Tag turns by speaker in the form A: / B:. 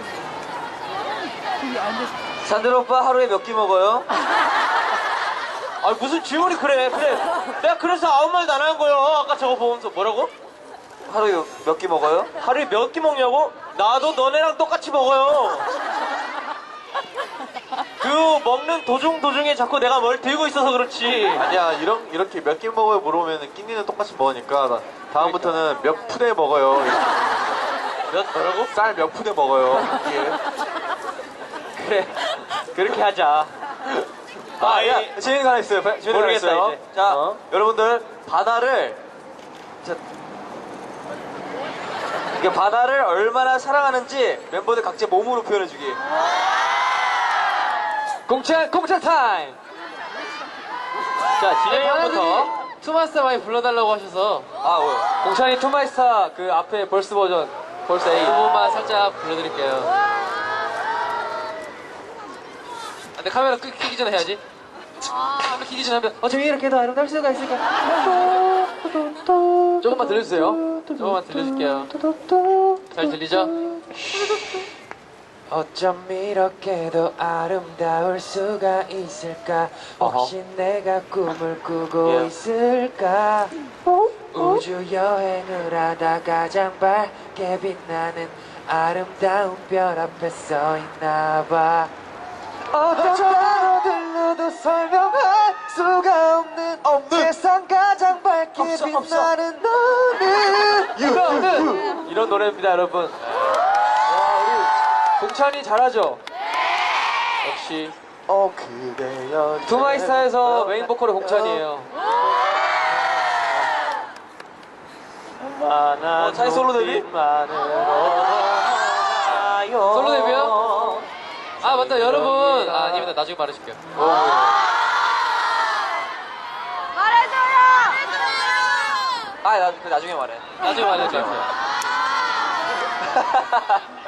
A: 산들 오빠 하루에 몇 끼 먹어요? 아 무슨 질문이 그래. 내가 그래서 아무 말도 안 한 거예요. 아까 저거 보면서 뭐라고? 하루에 몇 끼 먹어요? 하루에 몇 끼 먹냐고? 나도 너네랑 똑같이 먹어요. 그 먹는 도중에 자꾸 내가 뭘 들고 있어서 그렇지.
B: 아니야, 이렇게 몇 끼 먹어요 물어보면 끼니는 똑같이 먹으니까 다음부터는 몇 푸대 먹어요.
A: 뭐라고?
B: 쌀 몇 푸대 먹어요. 한 끼에.
A: 그래 그렇게 하자.
B: 야, 재밌는 거 하나 있어요. 재밌는 거 하나
A: 모르겠다,
B: 있어요.
A: 이제.
B: 자, 여러분들 이게 바다를 얼마나 사랑하는지 멤버들 각자 몸으로 표현해주기.
A: 공찬 타임. 자 진영이 형부터. 투마스터 많이 불러달라고 하셔서
B: 뭐요?
A: 공찬이 투마스터 그 앞에 벌스 버전 벌스 A 그 부분만 살짝 불러드릴게요. 근데 카메라 끄기 전에 해야지. 카메라 끄기 전에 하면 어차피 이렇게 더 아름다울 수가 있을까. 조금만 들려주세요. 조금만 들려줄게요. 잘 들리죠? 어쩜 이렇게도 아름다울 수가 있을까. 혹시 내가 꿈을 꾸고 있을까. 우주 여행을 하다 가장 밝게 빛나는 아름다운 별 앞에 서 있나봐. 어떤 단어들로도 설명할 수가 없는 세상 가장 밝게 빛나는 너는 이런 노래입니다 여러분. 와 우리 공찬이 잘하죠? 역시
B: 그대여
A: 투마이스타에서 메인 보컬의 공찬이에요. 찬이 솔로 데뷔? 솔로 데뷔요? 아 맞다 여러분. 아닙니다 나중에 말해줄게요.
C: 말해줘요!
A: 나중에 말해. 나중에 말해줄게요.